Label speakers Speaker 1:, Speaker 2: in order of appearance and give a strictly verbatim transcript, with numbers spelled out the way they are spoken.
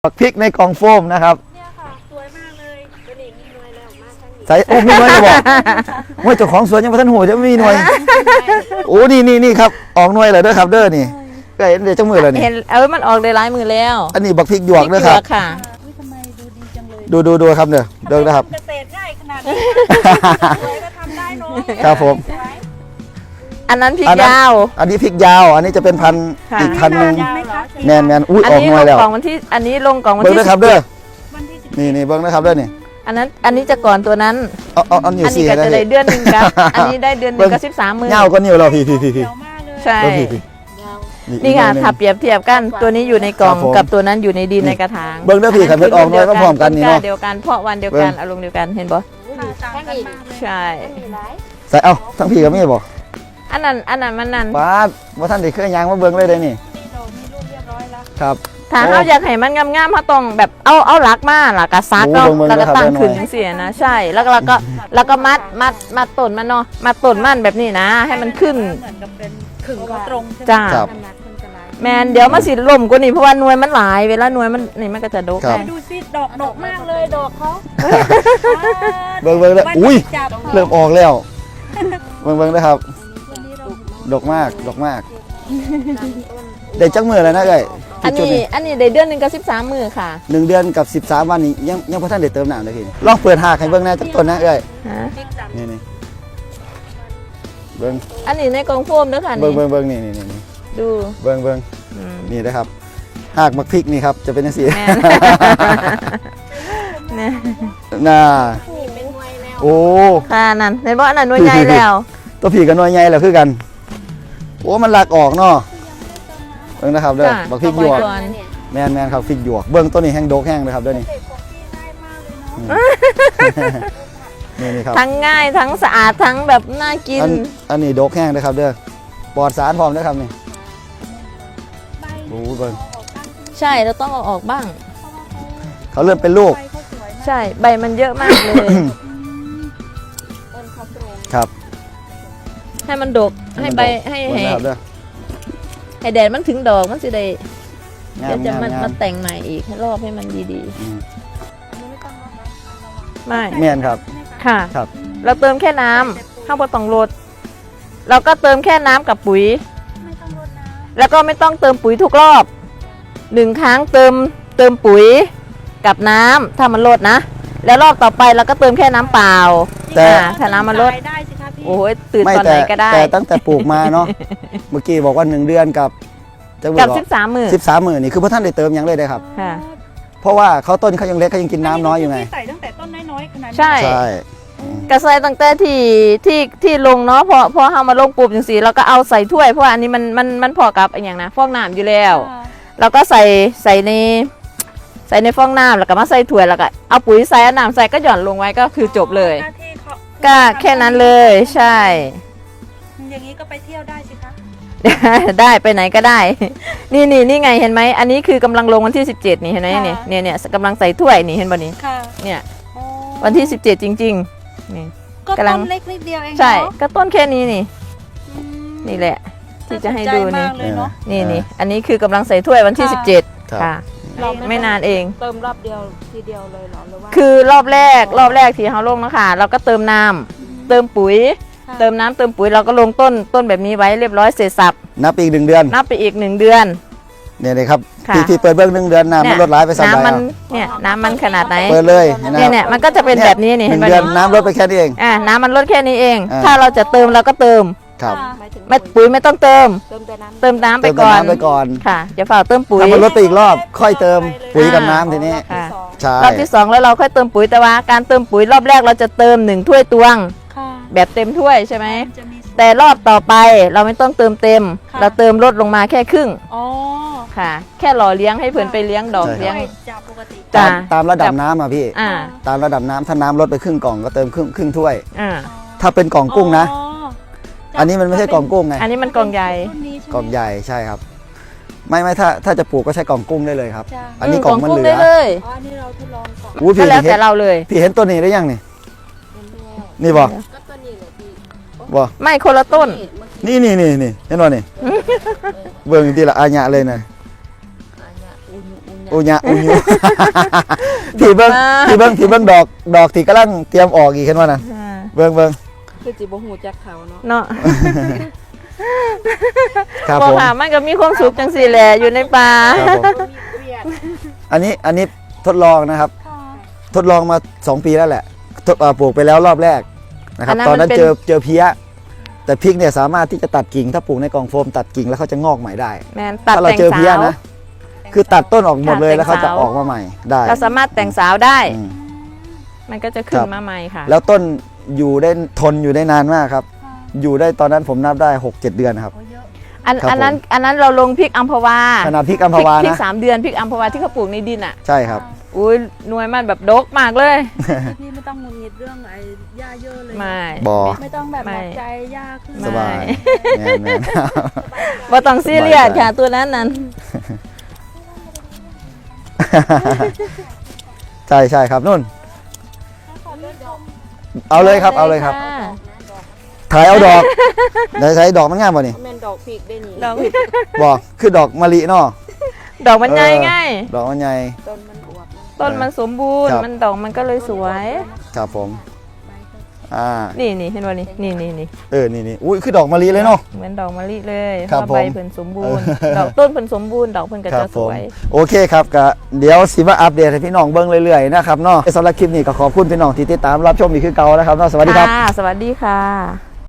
Speaker 1: บักพริกในกล่องโฟมนะครับ
Speaker 2: เนี่ยค่ะสวยมากเลยกระดิ่งมีหน่วยแล้วมาทั้งนี้
Speaker 1: ใส่โอ้มีหน่วยจะบอกว่าเจ้าของสวนยังไม่ทันหัวจะไม่มีหน่วยโอ้นี่นี่นี่ครับออกหน่วยเลยด้วยครับเด้อนี่ก็เห็นเดี๋ยวเจ้ามือเลยนี่
Speaker 3: เห็นเออมันออกได้หลายมือแล้ว
Speaker 1: อันนี้บักพริกหยวกด้วยครับ
Speaker 3: ค่ะ
Speaker 2: ทำไมดูดีจังเลย
Speaker 1: ดูดูดูครับเด้อเดินนะครับ
Speaker 2: เกษตรง่ายขนาดนี้สวยก็ทำได้เน้อย
Speaker 1: ครับผม
Speaker 3: อันนั้นพริก
Speaker 1: อันนั้น
Speaker 3: ยาว
Speaker 1: อันนี้พริกยาว อันนี้จะเป็นพันธุ์
Speaker 3: ค่ะ
Speaker 1: อีกพันธุ์หนึ่ง
Speaker 2: ยาวเหรอ
Speaker 1: แมนแมนอุ้ย
Speaker 3: อัน
Speaker 1: ออก
Speaker 3: นี้
Speaker 1: หน่
Speaker 3: ล
Speaker 1: วย
Speaker 3: ง
Speaker 1: แล้ว
Speaker 3: กล่องวันที่อันนี้ลงกล่องวัน
Speaker 1: เบิ้ง
Speaker 3: ที่
Speaker 1: ด้วยครับเด้อ
Speaker 2: วันที่สิบ
Speaker 1: นี่นี่เบิ้งนะครับเด้อนี่
Speaker 3: อันนั้นอันนี้จะก่อนตัวนั้น
Speaker 1: เอาเอาเอานิ้ว
Speaker 3: อันนี้
Speaker 1: สี่
Speaker 3: ก็
Speaker 1: ได้
Speaker 3: จะได้เดือนหนึ่งครับอันนี้ได้เดือนหนึ่งก็สิบสามมือ
Speaker 1: เงาก็นิ้วเราพี่พี่พี่พี่
Speaker 2: เขียวมากเลย
Speaker 3: ใช่
Speaker 1: เบิ้งพี่พี่
Speaker 3: นี่ค่ะถ้าเปรียบเทียบกันตัวนี้อยู่ในกล่อง
Speaker 1: ครับผม
Speaker 3: กับตัวนั้นอยู่ในดินในกระถาง
Speaker 1: เบิ้งเด้อพี่ครับเพิ่นออกหน่วยพร้อมๆกันนี่เนาะ
Speaker 3: เดียวกันเพราะวันเดียวกันอารมณ์เดียวกันเห็นปะ
Speaker 2: ค่ะต่างกันมากเลย
Speaker 3: ใช่
Speaker 1: ใส่เอาทั้งพี่กับแม่บอก
Speaker 3: อันนั้นอันนั้นมันนั่น
Speaker 1: ป้าดว่าท่านได้เคยยางมาเบิ้งเลยได้นี่
Speaker 2: มีดอกมีลูกเรียบร้อยแล้ว
Speaker 1: ครับ
Speaker 3: ถ้าเขาอยากให้มันงามๆเขาต้องแบบเอาเอาหลักมาหลักกระซักเนาะ
Speaker 1: โอ้เบิ่งๆ
Speaker 3: แล้วก็ตั้ง
Speaker 1: นะครับ
Speaker 3: ขึ้นเสียนะใช่แล้วก็แล้วก็แล้วก็มัดมัดมัดต้นมันเนาะมัดต้นมันแบบนี้นะ ให้มันขึ้น
Speaker 2: เหมือนกับเป็นขึงเขาตรงใช่ไหม
Speaker 3: จ้า
Speaker 1: ครับ
Speaker 2: น้ำหนักมันจะหลาย
Speaker 3: แมนเดี๋ยวมาสิล่มกว่านี้เพราะว่าหน่วยมันหลายเวลาหน่วยมันนี่มันก็จะดก
Speaker 1: ครับ
Speaker 3: ได้
Speaker 2: ดูสิดอกดอกมากเลยดอกเขา
Speaker 1: เบิ้งเบิ้งเลยอุ้ย
Speaker 2: จับ
Speaker 1: เริ่มออกแล้วเบิ้งเบิ้งนะครับ
Speaker 2: วันนี้เรา
Speaker 1: ดกมากดกมากได้จักมือแล้วนะเอ้ย
Speaker 3: อัน
Speaker 1: จุด
Speaker 3: นี้อันนี้ได้เดือนหนึ่งกับสิบสามมือค่ะ
Speaker 1: หนึ่งเดือนกับสิบสามวันนี้ยังยังพอท่านได้เติมน้ำเลยพี่ลองเปิดหากให้เบิ้งหน้าจักต้นนะเอ้ย
Speaker 3: ฮะ
Speaker 2: พริกจับ
Speaker 1: นี่นี่เบิ้ง
Speaker 3: อันนี้ในกล่องโฟมด้วยค่ะ
Speaker 1: เบิ้
Speaker 3: นี่
Speaker 1: งเบิ้งเบิ้งนี่นี่นี่นี่
Speaker 3: ดู
Speaker 1: เบิ้งเบิ้ง
Speaker 3: อืม
Speaker 1: นี่นะครับหากมักพริกนี่ครับจะเป็นยังไง
Speaker 3: แม่น เนี่ย
Speaker 1: น่า
Speaker 2: นี่เป็นหน่วยแล้ว
Speaker 1: โอ้
Speaker 3: ค่ะนั่นในบ่อนั่นหน่วยใหญ่แล้ว
Speaker 1: ตัวผีกับหน่วยใหญ่แล้วคือกันโอ้มันหลักออกเนาะเบิ้งนะครับเด้อ
Speaker 3: จ้ะ
Speaker 1: บักพริกหยวก
Speaker 3: เอาไว้ก่อน
Speaker 1: แมนแมนครับพริกหยวกเบิ้งตัวนี้แห้งโดกแห้งเลยครับเด้อนี่
Speaker 2: เด็กของพี่ง่ายมากเลยเนาะ
Speaker 1: นี่นี่ครับ
Speaker 3: ทั้งง่ายทั้งสะอาดทั้งแบบน่ากิน
Speaker 1: อันอันนี้โดกแห้งนะครับเด้อปลอดสารพร้อมนะครับนี่
Speaker 2: ใบ
Speaker 1: โอ้เบิ้ง
Speaker 2: ออกตั้งขึ้น
Speaker 3: ใช่เราต้องเอาออกบ้าง
Speaker 1: เขาเริ่มเป็นลูก
Speaker 2: ใบเขาสวยมาก
Speaker 3: ใช่ใบมันเยอะมากเลย
Speaker 2: ต้นเขาตรง
Speaker 1: ครับ
Speaker 3: ให้มันดกให้ใบให้
Speaker 1: เบิ้ง
Speaker 3: ให้
Speaker 1: นะครับเด้อ
Speaker 3: ให้แดดมันถึงดอกมันสิได้
Speaker 1: งา
Speaker 3: เดี๋ย
Speaker 1: ม
Speaker 3: วจะ
Speaker 1: งาม
Speaker 3: มาง
Speaker 1: าม
Speaker 3: มาแต่งใหม่อีกให้รอบให้มันดี
Speaker 1: อืม
Speaker 2: อันนี้ไม่ต้องรดน้ำระวัง
Speaker 3: ๆไม่
Speaker 1: แม่นครับ
Speaker 3: ค่ะ
Speaker 1: ครับ
Speaker 3: เราเติมแค่น้ำข้าวโพดต้องรดเราก็เติมแค่น้ำกับปุ๋ย
Speaker 2: ไม่ต้องรดน้
Speaker 3: แล้วก็ไม่ต้องเติมปุ๋ยทุกรอบหนึ่งครั้งเติมเติมปุ๋ยกับน้ำถ้ามันลดนะ แล้วรอบต่อไปเราก็เติมแค่น้ำเปล่า
Speaker 2: ำ
Speaker 1: แต่
Speaker 3: อ่าถ้าน้ำมันลด
Speaker 2: ตายได้สิคะพี่
Speaker 3: โอ้ยตื่น
Speaker 1: ไม่
Speaker 3: ตอน
Speaker 1: แต่
Speaker 3: ไหนก็ได้
Speaker 1: แต่ตั้งแต่ปลูกมาเนาะ เมื่อกี้บอกว่าหนึ่งเดือนกับจะ
Speaker 3: กับ
Speaker 1: บอก
Speaker 3: สิบสามหมื่น
Speaker 1: สิบสามหมื่นนี่คือพระท่านได้เติมยังเลยได้ครับ
Speaker 3: ค่ะ
Speaker 1: เพราะว่าเขาต้นเขายังเล็กเขายังกินน้ำน้อยอยู่ไง
Speaker 2: พี่ใส่ตั้งแต่ต้นน้อยๆขนาดนี้
Speaker 3: ใช่
Speaker 1: ใช่
Speaker 3: กระใสตั้งแต่ที่ที่ที่ลงเนาะพอพอเอามาลงปุ๊บจังสีเราก็เอาใส่ถ้วยเพราะว่าอันนี้มันมันมันพอกับอนอย่างนะฟองน้ำอยู่แล้ว
Speaker 2: อ่า
Speaker 3: เราก็ใส่ใส่ในใส่ในฟองน้ำแล้วก็มาใส่ถ้วยแล้วก็เอาปุ๋ยใส่เอาน้ำใส่ก็หย่อนลงไว้ก็คือจบเลย
Speaker 2: หน้าที่เขา
Speaker 3: ก็แค่นั้นเลยใช่
Speaker 2: อย่างนี้ก็ไปเที่ยวได้สิคะ
Speaker 3: ได้ไปไหนก็ได้ นี่นี่นี่ไงเห็นไหมอันนี้คือกำลังลงวันที่สิบเจ็ดนี่เห็นไหมเนี่ยเนี่ยเนี่ยกำลังใส่ถ้วยนี่เห็นบ่นี่
Speaker 2: ค่ะ
Speaker 3: เนี่ย
Speaker 2: อ๋อ
Speaker 3: วันที่สิบเจ็ดจริงๆนี่
Speaker 2: ก็
Speaker 3: กำลั
Speaker 2: ต้
Speaker 3: ง
Speaker 2: นเล็กนิดเดียวเอง
Speaker 3: ใช่
Speaker 2: เนาะ
Speaker 3: ก็ต้นแค่นี้นี่
Speaker 2: อืม
Speaker 3: นี่แหละ ที่จะให้ดู
Speaker 2: าสนใจ
Speaker 3: นี่
Speaker 2: มากเลยเนาะ
Speaker 3: นี่นี่อันนี้คือกำลังใส่ถ้วยวันที่
Speaker 2: ค่ะ
Speaker 3: สิบเจ็ด
Speaker 1: ครับ
Speaker 3: ค่ะ
Speaker 2: เรา
Speaker 3: ไม่นานเอง
Speaker 2: เติมรอบเดียวทีเดียวเลยเหรอหรือว่า
Speaker 3: คือรอบแรกรอบแรกที่เขาลงนะคะเราก็เติมน้ำเติมปุ๋ย
Speaker 2: ค่ะ
Speaker 3: เติมน้ำเติมปุ๋ยเราก็ลงต้นต้นแบบนี้ไว้เรียบร้อยเสร็จสับ
Speaker 1: นับอีกหนึ่งเดือน
Speaker 3: นับไปอีกหนึ่งเดือน
Speaker 1: เนี่ยเลยครับ
Speaker 3: ค่ะ
Speaker 1: ที่ที่เปิดเบื้องหนึ่งเดือนน้ำมันลดร้ายไปสามใบ
Speaker 3: น้ำมัน
Speaker 1: เอา
Speaker 3: เนี่ยน้ำมันขนาดไหน
Speaker 1: เปิดเลยห็ไหม
Speaker 3: เนี่ยเนี่ยมันก็จะเป็นแบบนี้นี่
Speaker 1: ห
Speaker 3: เห็
Speaker 1: นึ่
Speaker 3: น
Speaker 1: ง
Speaker 3: ไหม
Speaker 1: เดือน
Speaker 3: เนี่ย
Speaker 1: น้ำลดไปแค่นี้เอง
Speaker 3: อ่าน้ำมันลดแค่นี้เอง
Speaker 1: อ่า
Speaker 3: ถ้าเราจะเติมเราก็เติม
Speaker 1: ครับ
Speaker 2: หมายถึง
Speaker 3: ไม่ปุ๋ยไม่ต้องเติม
Speaker 2: เติมแต่น้ำ
Speaker 3: เติมน้ำไป
Speaker 1: เติมแต่
Speaker 3: ก่อน
Speaker 1: น้ำไปก่อน
Speaker 3: ค่ะอย่าฝ่าเติมปุ๋ย
Speaker 1: ถ้ามันลดไปอีกรอบ ค่อยเติมปุ๋ยกับน้ำทีนี้
Speaker 3: ค่ะ
Speaker 1: ใช่
Speaker 3: รอบที่สองแล้วเราค่อยเติมปุ๋ยแต่ว่าการเติมปุ๋ยรอบแรกเราจะเติมหนึ่งถ้วยตวง
Speaker 2: ค่ะ
Speaker 3: แบบเต็มถ้วยใช่ไหม
Speaker 2: นจะมี
Speaker 3: แต่รอบต่อไปเราไม่ต้องเติมเต็ม
Speaker 2: ค่ะ
Speaker 3: เราเติมลดลงมาแค่ครึ่ง
Speaker 2: อ๋อ
Speaker 3: ค่ะ แค่หล่อเลี้ยงให้เพื่อนไปเลี้ยงดอกเลี้ยง
Speaker 2: จากปกติ
Speaker 3: จ้ะ
Speaker 1: ตามตามระดับน้ำอ่ะพี่
Speaker 3: อ่า
Speaker 1: ตามระดับน้ำถ้าน้ำลดไปครึ่งกล่องก็เติมครึ่งครึ่งถ้วย
Speaker 3: อ่า
Speaker 1: ถ้าเป็นกล่องกุ้งนะ
Speaker 2: อ๋อ
Speaker 1: อันนี้มันไม่ใช่กล่องกุ้งไง
Speaker 3: อันนี้มันกล่องใหญ่
Speaker 2: รุ่นนี้ใช่ไหม
Speaker 1: กล่องใหญ่ใช่ครับ ไม่ไม่ถ้าถ้าจะปลูกก็ใช้กล่องกุ้งได้เลยครับ
Speaker 2: จ้ะ
Speaker 1: อันนี้กล่องมันเหลื
Speaker 3: ได้
Speaker 1: อ
Speaker 3: เลย
Speaker 2: อ๋ออันนี้เราทดลองก่อน
Speaker 1: อู้
Speaker 3: ก็
Speaker 1: พี่
Speaker 3: แล้ว
Speaker 1: เห็
Speaker 3: แต่
Speaker 1: น
Speaker 3: เราเลย
Speaker 1: พี่เห็นตัวนี้ได้ยังนี่ นี่บ่
Speaker 2: ก็ตัวนี้เลยพี่
Speaker 1: บ่
Speaker 3: ไม่คนละต้น
Speaker 1: นี่นี่นี่นี่เห็นบ่นี่ เบิ่งทีละอาญะเลยนะโอุญะอุญู ที่เบิ้งที่เบิ้งที่เบิ้งดอกดอกที่กำลังเตรียมออกอีกเห็นว่าน่ะ
Speaker 3: อ่า
Speaker 1: เบิ้งเบิ้ง
Speaker 2: คือจิบ่หูจักเขาเนาะ
Speaker 3: เนาะ
Speaker 1: ครับ
Speaker 3: บอก
Speaker 1: ผม
Speaker 3: ค่ะมันก็มีความสุขจังสี่แหละอยู่ในป่า
Speaker 1: ครับผม
Speaker 2: มีเวียด
Speaker 1: อันนี้อันนี้ทดลองนะครับ ทดลองมาสองปีแล้วแหละทดเอ่อปลูกไปแล้วรอบแรกนะครับตอนนั้นเจอเจอเพี้ยแต่พริกเนี่ยสามารถที่จะตัดกิ่งถ้าปลูกในกล่องโฟมตัดกิ่งแล้วเขาจะงอกใหม่ได้
Speaker 3: แมนตัด
Speaker 1: ถ้าเรา
Speaker 3: แต่ง
Speaker 1: เจอเพี้ย
Speaker 3: สาว
Speaker 1: นะ คือตัดต้นออกหมดเลย
Speaker 3: ตัดแต่ง
Speaker 1: แล้วเขาจะ
Speaker 3: สาว
Speaker 1: ออกมาใหม่ได้
Speaker 3: เราสามารถแต่งสาวได้
Speaker 1: อืม
Speaker 3: มันก็จะขึ้
Speaker 1: คน รับ
Speaker 3: มาใหม่ค่ะ
Speaker 1: แล้วต้นอยู่ได้ทนอยู่ได้นานมากครับ อยู่ได้ตอนนั้นผมนับได้หกเจ็ดเดือนครับ
Speaker 3: อัน
Speaker 1: ครับ
Speaker 3: อันนั้น
Speaker 1: ผม
Speaker 3: อันนั้นเราลงพริกอัมพวา
Speaker 1: ขนาดพริกอัมพ
Speaker 3: พริก
Speaker 1: วา
Speaker 3: พริก
Speaker 1: นะ
Speaker 3: สามเดือนพริกอัมพวาที่เขาปลูกในดินอ่ะ
Speaker 1: ใช่ครับ
Speaker 3: อุ้ยหน่วยมันแบบดกมากเลย
Speaker 2: พี่ไม่ต้องงุนงิดเรื่องไอ้หญ้าเยอะเลย
Speaker 3: ไม่
Speaker 1: บอ
Speaker 2: ไม่ต้องแบบ
Speaker 3: ไม่
Speaker 2: หนักใจหญ้าขึ้น
Speaker 1: สบายแมนแมน
Speaker 3: ว่าต้องซีเรียส
Speaker 1: สบายใจ
Speaker 3: ค่ะตัวนั้นนั้น
Speaker 1: ใช่ใช่ครับนุ่น เอาเลยครับเอาเลยครับ
Speaker 3: ะ
Speaker 1: ถ่ายเอาดอกไหนใช้ดอกมันงามป่ะนี่
Speaker 2: แม่นดอกพริกได้นี่
Speaker 3: ดอก
Speaker 1: บอกคือดอกมะลิเนาะ
Speaker 3: ดอกมันใหญ่
Speaker 1: เออ
Speaker 3: ไง
Speaker 1: ดอกมันใหญ่
Speaker 2: ต้นมันอวบนะ
Speaker 3: ต้นมันสมบูรณ์
Speaker 1: ครับ
Speaker 3: มันดอกมันก็เลยสวย
Speaker 1: ครับผมอ่า
Speaker 3: นี่นี่เห็นว่านี่นี่นี่นี่
Speaker 1: เออนี่นี่อุ้ยคือดอกมะลิเลยเนาะ
Speaker 3: เหมือนดอกมะลิเลย
Speaker 1: ครับ
Speaker 3: เพาะว่าใบ
Speaker 1: ผม
Speaker 3: เพิ่นสมบูรณ์
Speaker 1: เออ
Speaker 3: ดอกต้นเพิ่นสมบูรณ์ดอกเพิ่นก็
Speaker 1: ครั
Speaker 3: จะ
Speaker 1: บ
Speaker 3: ส
Speaker 1: ผม
Speaker 3: วย
Speaker 1: โอเคครับก็เดี๋ยวสิมาอัปเดตให้พี่น้องเบิ้งเรื่อยๆนะครับเนาะสำหรับคลิปนี้ก็ขอบคุณพี่น้องที่ติดตามรับชมอีกคือเก่านะครับเนาะสวัสดีครับ
Speaker 3: ค่ะสวัสดีค่ะ